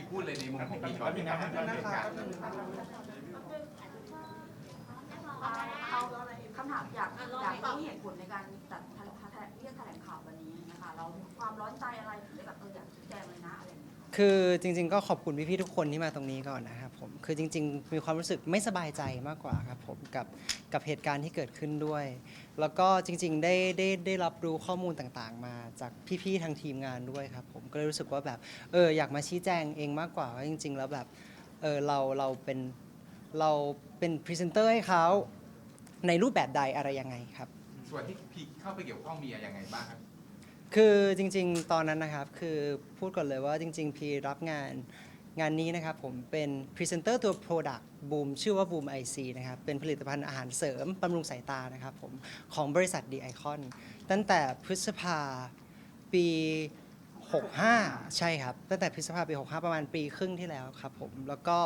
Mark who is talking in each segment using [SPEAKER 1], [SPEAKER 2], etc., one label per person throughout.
[SPEAKER 1] พูดเลยในมุมของพี่ก่อนที่การดำเนินการ
[SPEAKER 2] เอาคำถามอยากรู้เหตุผลในการจัดเรียกแถลงข่าววันนี้นะคะเราความร้อนใจอะไรถึงได้แบบอยากชี้แจงเลยนะอะไรอย่างเงี้ย
[SPEAKER 3] คือจริงๆก็ขอบคุณพี่ๆทุกคนที่มาตรงนี้ก่อนนะครับผมคือจริงๆมีความรู้สึกไม่สบายใจมากกว่าครับผมกับเหตุการณ์ที่เกิดขึ้นด้วย แล้วก็จริงๆได้รับรู้ข้อมูลต่างๆมาจากพี่ๆทางทีมงานด้วยครับผมก็เลยรู้สึกว่าแบบอยากมาชี้แจงเองมากกว่าว่าจริงๆแล้วแบบเราเป็นพรีเซนเตอร์ให้เขาในรูปแบบใดอะไรยังไงครับ
[SPEAKER 1] ส่วนที่พี่เข้าไปเกี่ยวข้องมียังไงบ้างครับ
[SPEAKER 3] คือจริงๆตอนนั้นนะครับคือพูดก่อนเลยว่าจริงๆพี่รับงานนี้นะครับผมเป็นพรีเซนเตอร์ตัว Product Boom ชื่อว่า Boom IC นะครับเป็นผลิตภัณฑ์อาหารเสริมบำรุงสายตานะครับผมของบริษัท D Icon ตั้งแต่พฤษภาปี65ใช่ครับตั้งแต่พฤษภาปี65ประมาณปีครึ่งที่แล้วครับผมแล้วก็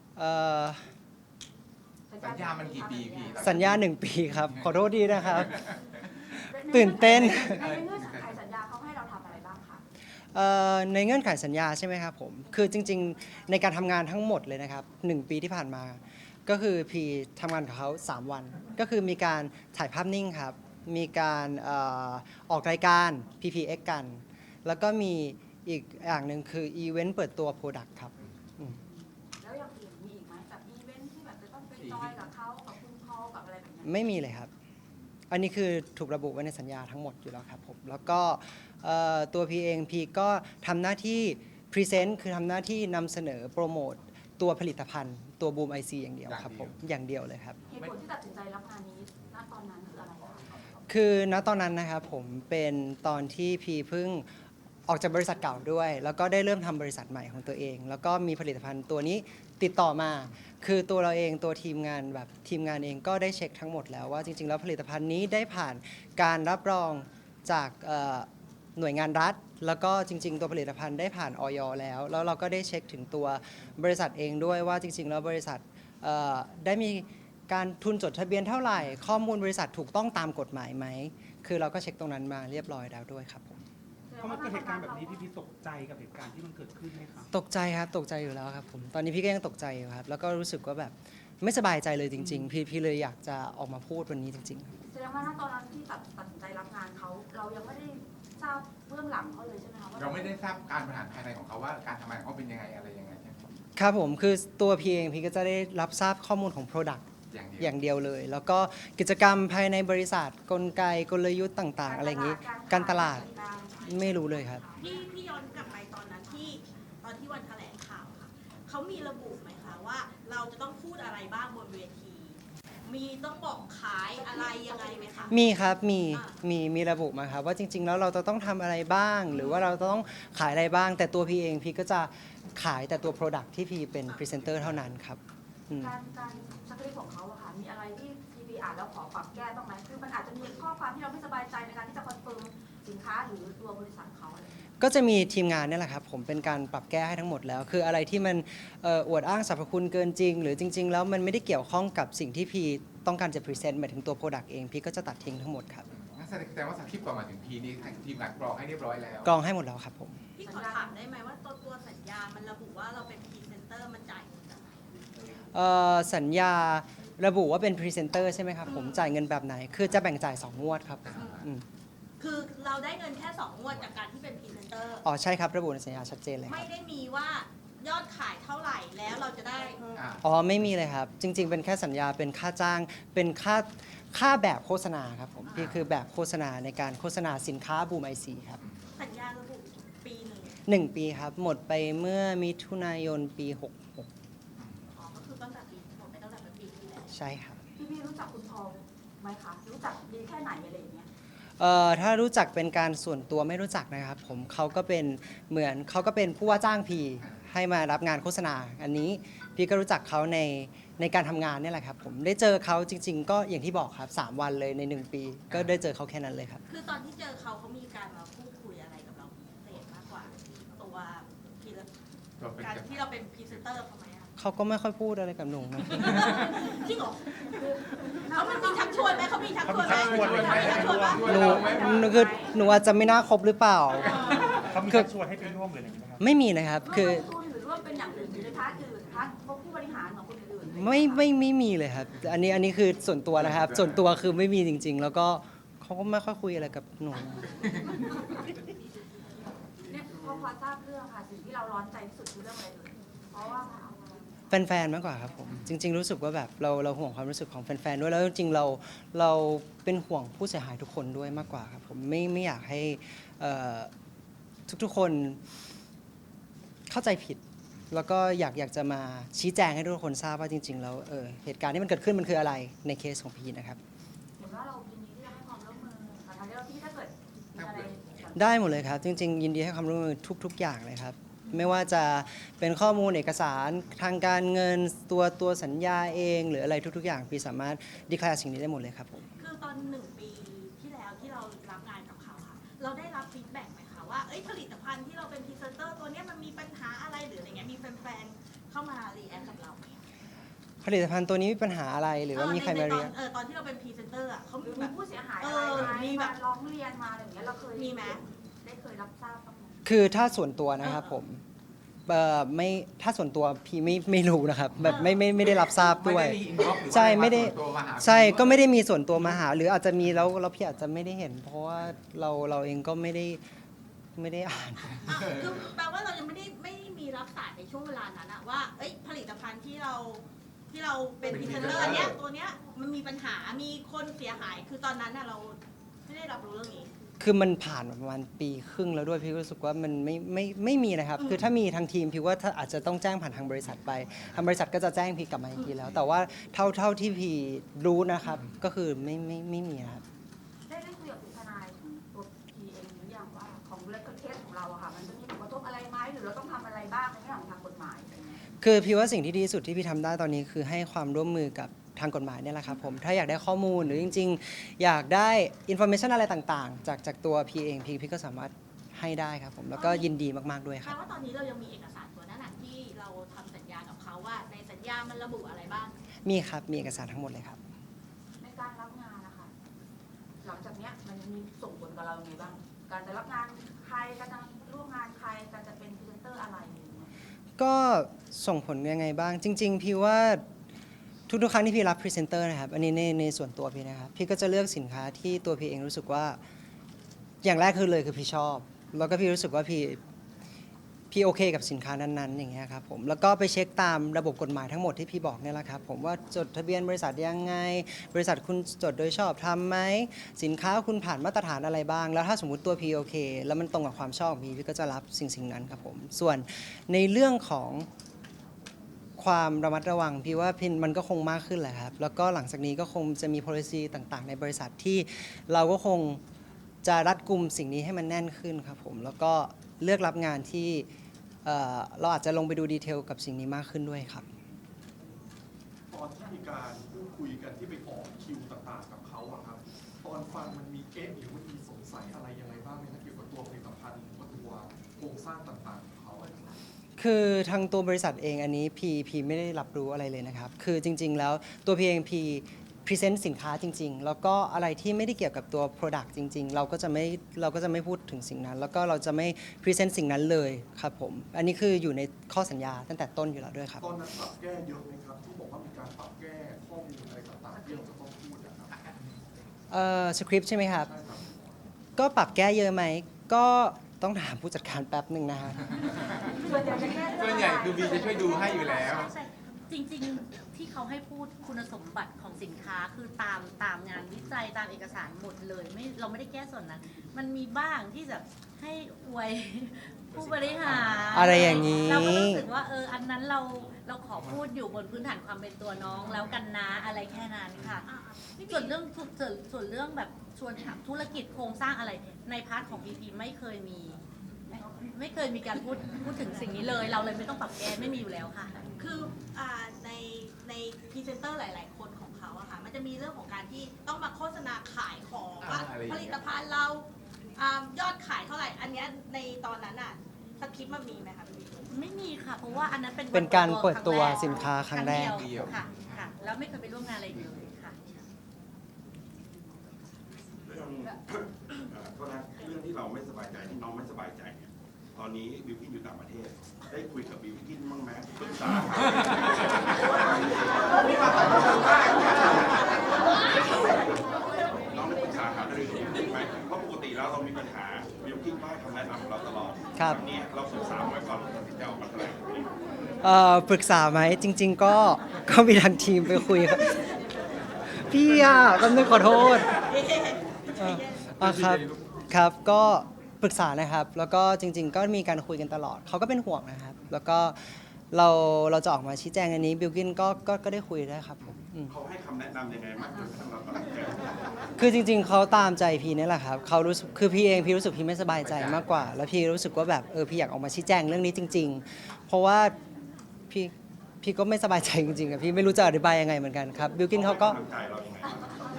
[SPEAKER 1] สัญญามันกี่ปีพี่
[SPEAKER 3] สัญญา1 ปีครับขอโทษดีนะครับตื่นเต้น
[SPEAKER 2] ในเงื่อนไขสัญญาเขาให้เราทำอะไรบ้างคะ
[SPEAKER 3] ในเงื่อนไขสัญญาใช่ไหมครับผมคือจริงๆในการทำงานทั้งหมดเลยนะครับ1 ปีที่ผ่านมาก็คือพีทำงานกับเขา3 วันก็คือมีการถ่ายภาพนิ่งครับมีการออกรายการ PPX กันแล้วก็มีอีกอย่างหนึ่งคืออีเวนต์เปิดตัว Product ครับ
[SPEAKER 2] แล้วอย่างอื่นมีอีกไหมแบบอีเวนท์ที่แบบจะต้องไปจอยกับเขากับคุณพ่อกับอะไรแบบนี้
[SPEAKER 3] ไม่มีเลยครับอันนี้คือถูกระบุไว้ในสัญญาทั้งหมดอยู่แล้วครับผมแล้วก็ตัวพีเองพีก็ทำหน้าที่พรีเซนต์คือทำหน้าที่นำเสนอโปรโมตตัวผลิตภัณฑ์ตัวบูมไอซีอย่างเดียวครับผมอย่างเดียวเลยครับ
[SPEAKER 2] เหตุผลที่ตัดสินใจรับงานนี้ณตอนนั้นคืออะไรคะ
[SPEAKER 3] คือณตอนนั้นนะครับผมเป็นตอนที่พีเพิ่งออกจากบริษัทเก่าด้วย แล้วก็ได้เริ่มทำบริษัทใหม่ของตัวเอง แล้วก็มีผลิตภัณฑ์ตัวนี้ติดต่อมาคือตัวเราเองตัวทีมงานเองก็ได้เช็คทั้งหมดแล้วว่าจริงๆแล้วผลิตภัณฑ์นี้ได้ผ่านการรับรองจากหน่วยงานรัฐ แล้วก็จริงๆตัวผลิตภัณฑ์ได้ผ่านอย.แล้วเราก็ได้เช็คถึงตัวบริษัทเองด้วยว่าจริงๆแล้วบริษัทได้มีการทุนจดทะเบียนเท่าไหร่ข้อมูลบริษัทถูกต้องตามกฎหมายไหมคือเราก็เช็คตรงนั้นมาเรียบร้อยแล้วด้วยครับผม
[SPEAKER 4] พอมันเกิดเหตุการณ์แบบนี้พี่ตกใจกับเหตุการณ์ที่มันเกิดขึ้นไหมครับ
[SPEAKER 3] ตกใจครับตกใจอยู่แล้วครับผมตอนนี้พี่ก็ยังตกใจอยู่ครับแล้วก็รู้สึกว่าแบบไม่สบายใจเลยจริงๆพี่เลยอยากจะออกมาพูดวันนี้จริง
[SPEAKER 2] แสดงว่าตอนนั้นที่ตัดสินใจรับงานเขาเรายังไม่ได้ทราบเบื้องหลังเขาเลยใช่ไหมคะ
[SPEAKER 1] เราไม่ได้ทราบการบริหารภายในของเขาว่าการทำงานของเขาเป็นยังไงอะไรยังไง
[SPEAKER 3] ครับผมคือตัวพี่เองพี่ก็จะได้รับทราบข้อมูลของ Product อย่างเดียวเลยแล้วก็กิจกรรมภายในบริษัทกลไกกลยุทธ์ต่างๆอะไรอย่างนี้การตลาดไม่รู้เลยครับ
[SPEAKER 5] พี่ย้อนกลับไปตอนนั้นตอนที่วันแถลงข่าวค่ะเขามีระบุไหมคะว่าเราจะต้องพูดอะไรบ้างบนเวทีมีต้องบอกขายอะไรยังไงไหมคะ
[SPEAKER 3] มีครับมีระบุมาครับว่าจริงๆแล้วเราจะต้องทำอะไรบ้างหรือว่าเราจะต้องขายอะไรบ้างแต่ตัวพี่เองพี่ก็จะขายแต่ตัว Product ที่พี่เป็นพรีเซนเตอร์เท่านั้นครับ
[SPEAKER 2] การสคริปต์ของเขาอะค่ะมีอะไรที่พีอ่านแล้วขอปรับแก้ต้องไหมคือมันอาจจะมีข้อความที่เราไม่สบายใจในการที่จะคอนเฟิร์มสินค้าหรือตัวบริษัทเขาอะไร
[SPEAKER 3] ก็จะมีทีมงานนี่แหละครับผมเป็นการปรับแก้ให้ทั้งหมดแล้วคืออะไรที่มันอวดอ้างสรรพคุณเกินจริงหรือจริงๆแล้วมันไม่ได้เกี่ยวข้องกับสิ่งที่พี่ต้องการจะพรีเซนต์หมายถึงตัว Product เองพี่ก็จะตัดทิ้งทั้งหมดครับ
[SPEAKER 1] แสดงว่าสคริปต์ก่อนมาถึงพีนี้ทีมงานกรองให้เรียบร้อยแล้ว
[SPEAKER 3] กรองให้หมดแล้วครับผม
[SPEAKER 5] พี่ขอถามได้ไหมว่าตัวสัญญามันระบุว่าเราเป็นพรีเซนเตอร์มันจ่ายเงินจากไหน
[SPEAKER 3] สัญญาระบุว่าเป็นพรีเซนเตอร์ใช่ไหมครับผมจ่ายเงินแบบไหนคือจะแบ่งจ่าย2 งวดครับ
[SPEAKER 5] คือเราได้เงินแค่2 งวดจากการที่เป็นพรีเซนเตอร์
[SPEAKER 3] อ๋อใช่ครับระบุในสัญญาชัดเจนเลย
[SPEAKER 5] ไม่ได้มีว่ายอดขายเท่าไหร่แล้วเราจะได้
[SPEAKER 3] อ๋อไม่มีเลยครับจริงๆเป็นแค่สัญญาเป็นค่าจ้างเป็นค่าแบบโฆษณาครับผมพี่คือแบบโฆษณาในการโฆษณาสินค้าบูมไอซีครับ
[SPEAKER 5] สัญญาระบุปี1
[SPEAKER 3] ปีครับหมดไปเมื่อมิถุนายนปี66
[SPEAKER 5] อ๋อก็คือตั้งแต่หมดไปตั้งแต่ปีที่แล้ว
[SPEAKER 3] ใช่ครับ
[SPEAKER 2] พี่รู้จักคุณทองไหมคะรู้จักดีแค่ไหนอะไรอย่างเงี้ย
[SPEAKER 3] ถ้ารู้จักเป็นการส่วนตัวไม่รู้จักนะครับผมเขาก็เป็นผู้ว่าจ้างพีให้มารับงานโฆษณาอันนี้พี่ก็รู้จักเขาในการทำงานนี่แหละครับผมได้เจอเขาจริงๆก็อย่างที่บอกครับ3 วันเลยใน1 ปีก็ได้เจอเขาแค่นั้นเลยครับ
[SPEAKER 5] คือตอนที่เจอเขามีการมาพูดคุยอะไรกับเราพิเศษมากกว่าตัวการที่เราเป็นพรีเซนเตอร์เขาไหม
[SPEAKER 3] เขาก็ไม่ค่อยพูดอะไรกับหนูนะ
[SPEAKER 5] จริงเหรอเขามีชักชวนไหมเขามีชักชวนไหม
[SPEAKER 3] หนูอาจจะไม่น่าคบหรือเปล่า
[SPEAKER 4] เขามีชักชวนให้ไปร่วมเลยอะไรอย่างนี้ไหมครับ
[SPEAKER 3] ไม่มีนะครับคือ
[SPEAKER 2] หรือว่าเป็นพาร์ทอื่นพาร์ทพวกผู้บริหารของคนอื่นๆ
[SPEAKER 3] ไม่มีเลยครับอันนี้คือส่วนตัวนะครับ ส่วนตัวคือไม่มีจริง ๆ แล้วก็เขาก็ไม่ค่อยคุยอะไรกับหนู
[SPEAKER 2] เนี่ยพอทราบเรื่องค่ะสิ่งที่เราร้อนใจที่สุดคือเรื่องอะไรเลยเพราะว่า
[SPEAKER 3] แฟนๆมากกว่าครับผมจริง ๆ รู้สึกว่าแบบเราห่วงความรู้สึกของแฟนๆด้วยแล้วจริงๆเราเป็นห่วงผู้เสียหายทุกคนด้วยมากกว่าครับผมไม่อยากให้ทุกๆคนเข้าใจผิด แล้วก็อยากจะมาชี้แจงให้ทุกคนทราบว่าจริงๆแล้วเหตุการณ์ที่มันเกิดขึ้นมันคืออะไรในเคสของพีนะครับ
[SPEAKER 2] เห็นว่าเรายินดีที่จะให้ความร่วมมือกับทางเจ้าหน้าที่ถ้าเกิดมีอะไร
[SPEAKER 3] ได้หมดเลยครับ จริง ๆ ยินดีให้ความร่วมมือทุก ๆ อย่างเลยครับ ไม่ว่าจะเป็นข้อมูลเอกสารทางการเงินตัวสัญญาเองหรืออะไรทุก ๆ อย่างพี่สามารถดีแคลร์สิ่งนี้ได้หมดเลยครับผม
[SPEAKER 5] คือตอน1 ปีที่แล้วที่เรารับงานกับเขาค่ะ เราได้รับฟีดแบ็กไหมคะว่าผลิตภัณฑ์ที่เราเป็นพรีเซนเตอร์ตัวเนี้ยมันมีปัญหาอะไรหรืออะไรเงี้ยมีแฟนๆเข้ามารีแอคกับเราไหม
[SPEAKER 3] ผลิตภัณฑ์ตัวนี้มีปัญหาอะไรหรือว่ามีใครมาเรียก
[SPEAKER 5] ตอนที่เราเป็นพรีเซนเตอร์อ่ะเขา
[SPEAKER 2] หรือ
[SPEAKER 5] แบ
[SPEAKER 2] มี
[SPEAKER 5] บ
[SPEAKER 2] ผู้เสียหายอะไรไหม
[SPEAKER 5] มีแบบ
[SPEAKER 2] ร้องเรียนมาอะไรอย่างเงี้ยเราเคย
[SPEAKER 5] มีไหม
[SPEAKER 2] ได้เคยรับทราบบ้างไหม
[SPEAKER 3] คือถ้าส่วนตัวนะครับผมไม่ถ้าส่วนตัวพี่ไม่รู้นะครับแบบไม่ได้รับทราบด้วย
[SPEAKER 1] ไม่ได้มี inbox หรือว่า
[SPEAKER 3] ใช่ไม่ได้
[SPEAKER 1] ส่วนตัวมาหา
[SPEAKER 3] ใช่ก็ไม่ได้มีส่วนตัวมาหา หรืออาจจะมีแล้วพี่อาจจะไม่ได้เห็น เพราะว่าเราเองก็ไม่ได้อ่าน
[SPEAKER 5] คือแปลว่าเรายังไม่ได้มีรับสายในช่วงเวลานั้นอะว่าผลิตภัณฑ์ที่เราเป็นพรีเซนเตอร์เนี้ยตัวเนี้ยมันมีปัญหามีคนเสียหายคือตอนนั้นอะเราไม่ได้รับรู้เรื่องนี้
[SPEAKER 3] คือมันผ่านมาประมาณปีครึ่งแล้วด้วยพี่ก็รู้สึกว่ามันไม่มีนะครับ คือถ้ามีทางทีมพี่ว่าถ้าอาจจะต้องแจ้งผ่านทางบริษัทไปทางบริษัทก็จะแจ้งพี่กลับมาอีกทีแล้ว แต่ว่าเท่าที่พี่รู้นะครับ ก็คือไม่มีนะครับ
[SPEAKER 2] ได้คุยกับทนายของตัวพีเองหรือยังว่าของเรื่องเคสของเราอะค่ะมันจะมีผลกระทบอะไรไหมหรือเราต้องทำอะไรบ้างในเรื่องของทางกฎหมายอะไรเงี้ย
[SPEAKER 3] คือพี่ว่าสิ่งที่ดีที่สุดที่พี่ทำได้ตอนนี้คือให้ความร่วมมือกับทางกฎหมายเนี่ยแหละครับผมถ้าอยากได้ข้อมูลหรือจริง ๆ อยากได้อินโฟเมชันอะไรต่างๆ จากตัวพี่เองพี่ก็สามารถให้ได้ครับผมแล้วก็ยินดีมากๆด้วยค
[SPEAKER 5] แปล
[SPEAKER 3] รับ
[SPEAKER 5] ว่าตอนนี้เรายังมีเอกสารตัวนั้นอะที่เราทำสัญญากับเขาว่าในสัญญามันระบุอะไรบ้าง
[SPEAKER 3] มีครับมีเอกสารทั้งหมดเลยครับ
[SPEAKER 2] ในการรับงานนะคะหลังจากเนี้ยมันมีส่งผลกับเรายังไงบ้าง การจะรับงานใครการจะร่วมงานใครการจะเป็นพรีเซนเตอร์อะไรอย่างเงี้ย
[SPEAKER 3] ก็ส่งผลยังไงบ้าง จริง ๆ พี่ว่าทุกๆครั้งที่พี่รับพรีเซนเตอร์นะครับอันนี้ในส่วนตัวพี่นะครับพี่ก็จะเลือกสินค้าที่ตัวพี่เองรู้สึกว่าอย่างแรกคือพี่ชอบ แล้วก็พี่รู้สึกว่าพี่โอเคกับสินค้านั้นๆอย่างเงี้ยครับผมแล้วก็ไปเช็คตามระบบกฎหมายทั้งหมดที่พี่บอกเนี่ยแหละครับผมว่าจดทะเบียนบริษัทยังไง บริษัทคุณจดโดยชอบทำไหมสินค้าคุณผ่านมาตรฐานอะไรบ้าง แล้วถ้าสมมุติตัวพี่โอเคแล้วมันตรงกับความชอบของพี่ก็จะรับสิ่งนั้นครับผมส่วนในเรื่องของความระมัดระวังพี่ว่ามันก็คงมากขึ้นแหละครับแล้วก็หลังจากนี้ก็คงจะมี policy ต่างๆ ในบริษัทที่เราก็คงจะรัดกุมสิ่งนี้ให้มันแน่นขึ้นครับผมแล้วก็เลือกรับงานที่เราอาจจะลงไปดูดีเทลกับสิ่งนี้มากขึ้นด้วยครับ
[SPEAKER 6] ตอนที่มีการพูดคุยกันที่ไปออกคิวต่างๆกับเขาอะครับ ตอนฟังมันมีเอ๊ะหรือว่ามีสงสัยอะไรยังไงบ้างไหมครับเกี่ยวกับตัวผลิตภัณฑ์หรือว่าตัวโครงสร้างต่างๆของเขาอะครับ
[SPEAKER 3] คือทางตัวบริษัทเองอันนี้พีไม่ได้รับรู้อะไรเลยนะครับ คือจริง ๆ แล้วตัวพีเองพีพรีเซนต์สินค้าจริง ๆ แล้วก็อะไรที่ไม่ได้เกี่ยวกับตัว Product จริง ๆ เราก็จะไม่พูดถึงสิ่งนั้น แล้วก็เราจะไม่พรีเซนต์สิ่งนั้นเลยครับผมอันนี้คืออยู่ในข้อสัญญาตั้งแต่ต้นอยู่แล้วด้วยครับ
[SPEAKER 6] ตอนนั้นปรับแก้เยอะไหมครับที่บอกว่ามีการปรับแก้ข้อมูลอะไรต่างๆที่เราจะต้องพูดนะครับ
[SPEAKER 3] สคริปต์ใช่ไหมครับ
[SPEAKER 6] ใช่ครับ
[SPEAKER 3] ก็ปรับแก้เยอะไหมก็ต้องถามผู้จัดการแป๊บหนึ่งนะฮะ
[SPEAKER 2] ส่วนใหญ่จะแก้
[SPEAKER 1] ส่วนใหญ่คือบีจะช่วยดูให้อยู่แล้ว
[SPEAKER 7] ใช่จริงๆที่เขาให้พูดคุณสมบัติของสินค้าคือตามงานวิจัยตามเอกสารหมดเลยเราไม่ได้แก้ส่วนนั้น มันมีบ้างที่แบบให้อวยผู้บริหาร
[SPEAKER 3] อะไรอย่างนี้
[SPEAKER 7] เราก็รู้สึกว่าอันนั้นเราขอพูดอยู่บนพื้นฐานความเป็นตัวน้องแล้วกันนะอะไรแค่นั้นค่ะ ส่วนเรื่องแบบชวนถามธุรกิจโครงสร้างอะไรในพาร์ทของพีพีไม่เคยมีการพูดถึงสิ่งนี้เลย เราเลยไม่ต้องปรับแก้ไม่มีอยู่แล้วค่ะ
[SPEAKER 5] คือในพรีเซนเตอร์หลาย ๆ คนของเขาอะค่ะมันจะมีเรื่องของการที่ต้องมาโฆษณาขายของว่า
[SPEAKER 1] อะไรอย่าง
[SPEAKER 5] ผ
[SPEAKER 1] เงี้ย
[SPEAKER 5] ลิตภัณฑ์เรายอดขายเท่าไหร่ อันเนี้ยในตอนนั้นอะสคริปต์มันมีไหมคะพี่
[SPEAKER 7] ไม่มีค่ะ เพราะว่าอันนั้นเป็น
[SPEAKER 3] เป็นการเปิดตัว
[SPEAKER 7] ครั้งแรก
[SPEAKER 3] สินค้าครั้งแรก
[SPEAKER 7] เดียวค่ะแล้วไม่เคยไปร่วมงานอะไรอีกเลยค่ะ
[SPEAKER 8] เรื่องโทษนะเรื่องที่เราไม่สบายใจที่น้องไม่สบายใจเนี่ยตอนนี้บิวกิ้นอยู่ต่างประเทศ ได้คุยกับบิวกิ้นบ้างไหมเบื้องษาน้องได้ปรึกษาหารือไหมเพราะปกติแล้วเรามีปัญหาบิวกิ้งก็ให้คำแนะนำของเราตลอด
[SPEAKER 3] ครับ
[SPEAKER 8] วันนี้เราศึกษาไว้ก่อนตัดสินใจออกมาแถลง
[SPEAKER 3] ปรึกษาไหมจริง ๆ ก็มีทางทีมไปคุยครับ พี่กำลังขอโทษครับครับก็ปรึกษานะครับ แล้วก็จริง ๆ ก็มีการคุยกันตลอดเขาก็เป็นห่วงนะครับ แล้วก็เราจะออกมาชี้แจงอันนี้บิลกินก็ได้คุยด้วยครับผม
[SPEAKER 8] เขาให้คำแนะนำยังไงมากจนกระทั่งเราตัดสินใจ
[SPEAKER 3] คือจริง ๆเขาตามใจพี่นี่แหละครับเขารู้สึกคือพี่รู้สึกพี่ไม่สบายใจมากกว่า แล้วพี่รู้สึกว่าแบบพี่อยากออกมาชี้แจงเรื่องนี้จริง ๆ เพราะว่าพี่ก็ไม่สบายใจจริงๆอะพี่ไม่รู้จะอธิบายยังไงเหมือนกันครับบิลกินเขาก็
[SPEAKER 8] กำลังใจเรายังไงบ้าง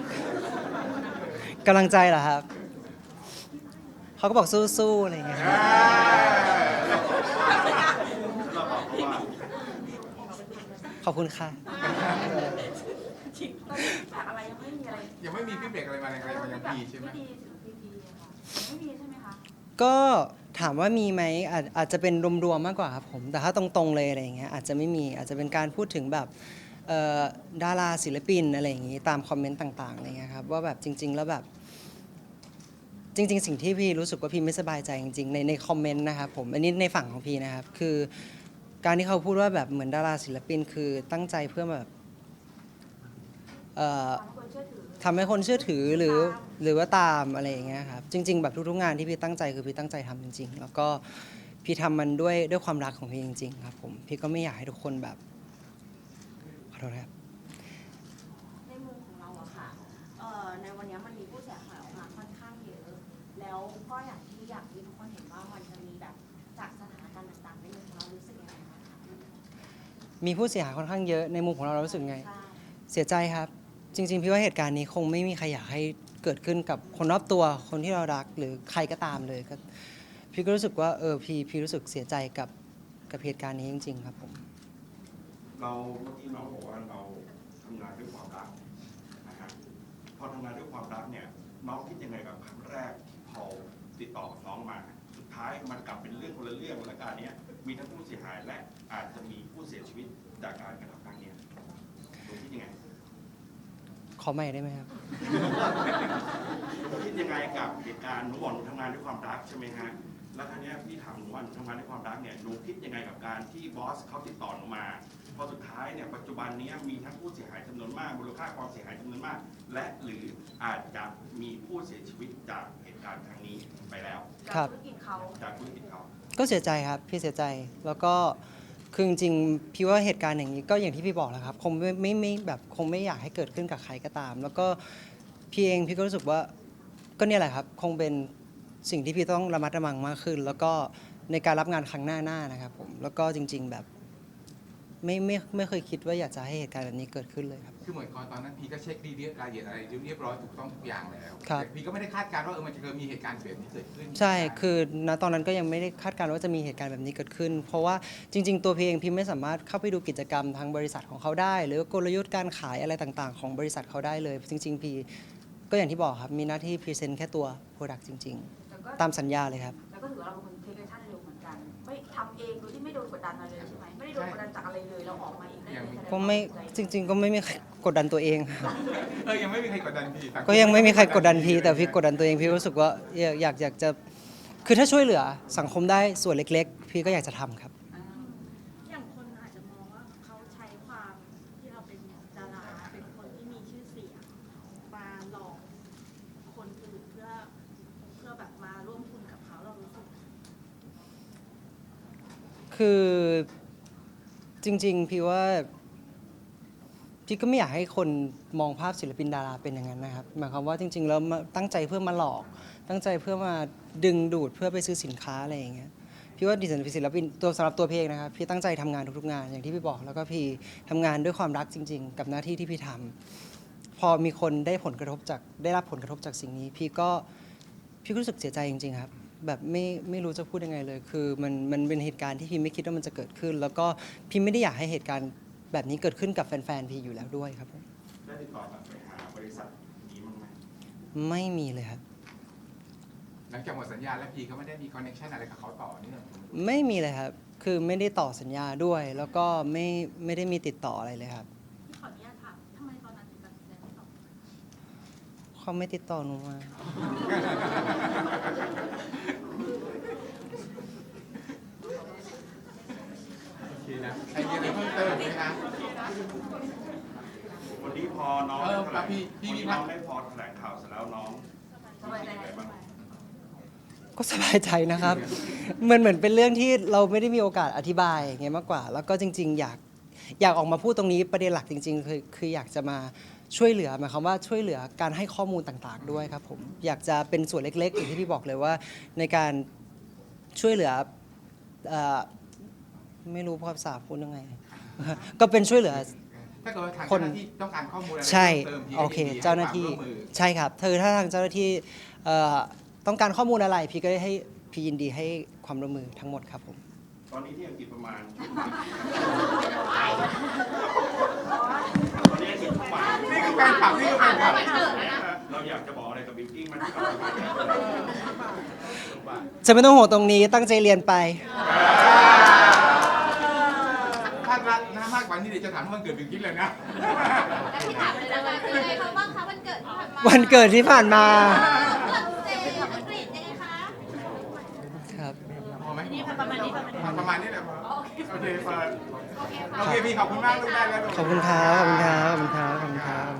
[SPEAKER 3] กำลังใจเหรอครับเขาก็บอกสู้ๆอะไรอย่างเงี้ย
[SPEAKER 8] เราบอกเขาว่า
[SPEAKER 3] ขอบคุณค่ะ
[SPEAKER 2] ตอนนี้แบบอะไรยังไม่มีอะไร
[SPEAKER 1] ยังไม่มีฟีดแบ็กอะไรมาแรงๆมายังพีใช่ไหม
[SPEAKER 2] ที่ดีถึงพีอะค่ะยังไม่มีใช่ไหมคะ
[SPEAKER 3] ก็ถามว่ามีไหมอาจจะเป็นรวมๆมากกว่าครับผมแต่ถ้าตรงๆเลยอะไรอย่างเงี้ยอาจจะไม่มีอาจจะเป็นการพูดถึงแบบดาราศิลปินอะไรอย่างงี้ตามคอมเมนต์ต่างๆอะไรเงี้ยครับว่าแบบจริง ๆ แล้วแบบจริง ๆ สิ่งที่พี่รู้สึกว่าพี่ไม่สบายใจจริงๆในคอมเมนต์นะครับผมอันนี้ในฝั่งของพี่นะครับคือการที่เขาพูดว่าแบบเหมือนดาราศิลปินคือตั้งใจเพื่อแบบทำให้คนเชื่อถือหรือว่าตามอะไรอย่างเงี้ยครับจริง ๆ แบบทุกๆงานที่พี่ตั้งใจคือพี่ตั้งใจทำจริง ๆ แล้วก็พี่ทำมันด้วยความรักของพี่จริง ๆ ครับผมพี่ก็ไม่อยากให้ทุกคนแบบขอโทษครับ
[SPEAKER 2] ในมุมของเราอะค่ะในวันนี้มันมีผู้เสียหายออกมาค่อนข้างเยอะ แล้วก็อย่างที่ทุกคนเห็นว่ามันจะมีแบบจากสถานการณ์ต่างๆในมุมของเรารู้สึกยังไงบ้างคะ
[SPEAKER 3] มีผู้เสียหายค่อนข้างเยอะในมุมของเรารู้สึกไง
[SPEAKER 2] ใช่
[SPEAKER 3] เสียใจครับ จริง ๆ พี่ว่าเหตุการณ์นี้คงไม่มีใครอยากให้เกิดขึ้นกับคนรอบตัวคนที่เรารักหรือใครก็ตามเลยก็พี่ก็รู้สึกว่าพี่รู้สึกเสียใจกับเหตุการณ์นี้จริง ๆ ครับผม
[SPEAKER 8] เราเมื่อกี้น้องบอกว่าเราทำงานด้วยความรักนะฮะพอทำงานด้วยความรักเนี่ยน้องคิดยังไงกับครั้งแรกที่พอติดต่อกับน้องมา สุดท้ายมันกลับเป็นเรื่องคนละเรื่องและการนี้มีทั้งผู้เสียหายและอาจจะมีผู้เสียชีวิตจากการกระทำครั้งนี้คุณคิดยังไง
[SPEAKER 3] ขอใหม่ได้ไหมครับ
[SPEAKER 8] คิดยังไงกับเหตุการณ์หนูบอกหนูทำงานด้วยความรักใช่ไหมฮะแล้วครั้งนี้พี่ถามหนูว่าหนูทำงานด้วยความรักเนี่ยหนูคิดยังไงกับการที่บอสเขาติดต่อหนูมาพอสุดท้ายเนี่ยปัจจุบันนี้มีทั้งผู้เสียหายจำนวนมากมูลค่าความเสียหายจำนวนมาก และหรืออาจจะมีผู้เสียชีวิตจากเหตุการณ์ครั้งนี้ไปแล้ว
[SPEAKER 3] ครับ
[SPEAKER 2] ธุรกิจเขา
[SPEAKER 8] จากธุรกิจเขา
[SPEAKER 3] ก็เสียใจครับพี่เสียใจแล้วก็คือจริงๆพี่ว่าเหตุการณ์อย่างนี้ก็อย่างที่พี่บอกแหละครับคงไม่แบบคงไม่อยากให้เกิดขึ้นกับใครก็ตาม แล้วก็พี่ก็รู้สึกว่าก็เนี่ยแหละครับคงเป็นสิ่งที่พี่ต้องระมัดระวังมากขึ้น แล้วก็ในการรับงานครั้งหน้านะครับผมแล้วก็จริง ๆแบบไม่เคยคิดว่าอยากจะให้เหตุการณ์แบบนี้เกิดขึ้นเลยครับ
[SPEAKER 1] คือเหมือนตอนนั้นพีก็เช็คดีรายละเอียดอะไรเรียบร้อยถูกต้องทุกอย่างแล้ว
[SPEAKER 3] ครับ
[SPEAKER 1] แต่พีก็ไม่ได้คาดการณ์ว่ามันจะมีเหตุการณ์แบบนี้เกิดขึ้น
[SPEAKER 3] ใช่คือณตอนนั้นก็ยังไม่ได้คาดการณ์ว่าจะมีเหตุการณ์แบบนี้เกิดขึ้น เพราะว่าจริง ๆ ตัวพี่เองพี่ไม่สามารถเข้าไปดูกิจกรรมทางบริษัทของเขาได้ หรือกลยุทธ์การขายอะไรต่างๆ ของบริษัทเขาได้เลย จริง ๆ พี่ก็อย่างที่บอกครับมีหน้าที่พรีเซนต์แค่ตัว Product จริง
[SPEAKER 2] แล้วก็
[SPEAKER 3] ๆ ตามสัญญาเลยครับ
[SPEAKER 2] แล้วก็ถือว่าเราเป็นคนเทคแอคชั่นเร็วเหมือนกัน ไม่ทำเองโดยที่ไม่โดนกดดันอะไรเลยใช่ไหมไม่ได้โดนกดดันจากอะไรเลยเราออกมาเองได้เลย
[SPEAKER 3] ก็ไม่จริง ๆ ก็ไม่มีใครกดดันตัวเองครับ
[SPEAKER 1] ยังไม่มีใครกดดันพี
[SPEAKER 3] ก็ยังไม่มีใครกดดันพี่แต่พี่กดดันตัวเองพี่รู้สึกว่าอยากจะคือถ้าช่วยเหลือสังคมได้ส่วนเล็ก ๆ พี่ก็อยากจะทำครับ
[SPEAKER 5] อย่างคนอาจจะมองว่าเขาใช้ความที่เราเป็นดาราเป็นคนที่มีชื่อเสียงมาหลอกคนอื่นเพื่อแบบมาร่วมทุนกับเขาเรารู้สึก
[SPEAKER 3] คือจริง ๆ พี่ว่าพี่ก็ไม่อยากให้คนมองภาพศิลปินดาราเป็นอย่างนั้นนะครับหมายความว่าจริง ๆ แล้วตั้งใจเพื่อมาหลอก ตั้งใจเพื่อมาดึงดูดเพื่อไปซื้อสินค้าอะไรอย่างเงี้ยพี่ว่าดิฉันเป็นศิลปินตัวสำหรับตัวพี่เองนะครับพี่ตั้งใจทำงานทุกๆงานอย่างที่พี่บอกแล้วก็พี่ทำงานด้วยความรักจริง ๆ กับหน้าที่ที่พี่ทำพอมีคนได้รับผลกระทบจากสิ่งนี้ พี่ก็รู้สึกเสียใจจริง ๆ ครับ แบบไม่รู้จะพูดยังไงเลย คือมันเป็นเหตุการณ์ที่พี่ไม่คิดว่ามันจะเกิดขึ้น แล้วก็พี่ไม่ได้อยากให้เหตุการณ์แบบนี้เกิดขึ้นกับแฟนๆพี่อยู่แล้วด้วยครับผม
[SPEAKER 8] ได้ติดต่อกลับไปหาบริษัทนี้มั้างไหม
[SPEAKER 3] ไม่มีเลยครับ
[SPEAKER 1] หลังจากหมดสัญญาแล้วพีก็ไม่ได้มีคอนเนคชั่นอะไรกับเขาต่อเนื่อง
[SPEAKER 3] ไม่มีเลยครับคือไม่ได้ต่อสัญญาด้วย แล้วก็ไม่ได้มีติดต่ออะไรเลยครับ
[SPEAKER 5] พี่ขออนุญาตถามทำไมตอนนั้นถึงตัดสินใจไม่ตอบ
[SPEAKER 3] เขาไม่ติดต่อหนูมา
[SPEAKER 1] โอเคนะใครมีอะไรเพิ่มเติมไหมคะ
[SPEAKER 8] วันนี้พอน้อง
[SPEAKER 1] เออ
[SPEAKER 8] แถลง
[SPEAKER 1] พี่
[SPEAKER 8] วันนี้
[SPEAKER 1] พั
[SPEAKER 8] น้
[SPEAKER 1] ก
[SPEAKER 8] องได้พอแถลงข่าวเสร็จแล้วน้องรู้สึกยังไงบ้าง
[SPEAKER 3] ก็สบายใจนะครับ เหมือนเป็นเรื่องที่เราไม่ได้มีโอกาสอธิบายอย่างเงี้ยมากกว่า แล้วก็จริง ๆ อยากออกมาพูดตรงนี้ประเด็นหลักจริง ๆ คืออยากจะมาช่วยเหลือหมายความว่าช่วยเหลือการให้ข้อมูลต่างๆ ด้วยครับผมอยากจะเป็นส่วนเล็กๆอย่างที่พี่บอกเลยว่าในการช่วยเหลือไม่รู้ภาษาพูดยังไง ก็เป็นช่วยเหลือ
[SPEAKER 1] ถ้าเกิดว่าทางเจ้าหน้าที่ต้องการข้อมูลอะไร
[SPEAKER 3] ใช่
[SPEAKER 1] เพิ่มเติมพี่
[SPEAKER 3] โอเค
[SPEAKER 1] ก็ยินดี
[SPEAKER 3] เจ้าหน้าที่
[SPEAKER 1] ให้ความร่วมมือ
[SPEAKER 3] ใช่ครับถ้าทางเจ้าหน้าที่ต้องการข้อมูลอะไรพี่ก็ได้ให้พี่ยินดีให้ความร่วมมือทั้งหมดครับผม
[SPEAKER 8] ตอนนี้ที่อังกฤษประมาณตอนนี้อังกฤษประมาณ
[SPEAKER 1] นี่คือแฟนคลับนี่คือแฟนคลับ
[SPEAKER 8] เราอยากจะบอกอะไรกับบิ๊กกิ้งมัน
[SPEAKER 3] จะไม่ต้องห่วงตรงนี้ตั้งใจเรียนไป
[SPEAKER 1] ถ้ารักนะมากกว่านี้เดี๋ยวจะถามว่ามันเกิดเป็นกิ๊กเลยนะ
[SPEAKER 5] แล้วพี่ถามเลยว่าเป็นไงเขาบ้างคะวันเกิดที่ผ่านมา
[SPEAKER 3] วันเกิดที่ผ่านมา
[SPEAKER 5] ฝรั่งเศสอังกฤษยังไงคะ
[SPEAKER 3] ครับ
[SPEAKER 1] พอไหม
[SPEAKER 7] นี่ประมาณนี้
[SPEAKER 1] ประมาณนี้แหละพอโอเคเฟิร์นโอเคพี่ขอบคุณมากลูกได้แล้วลูก
[SPEAKER 3] ขอบคุณครับ ขอบคุณครับ ขอบคุณครับ ขอบคุณครับ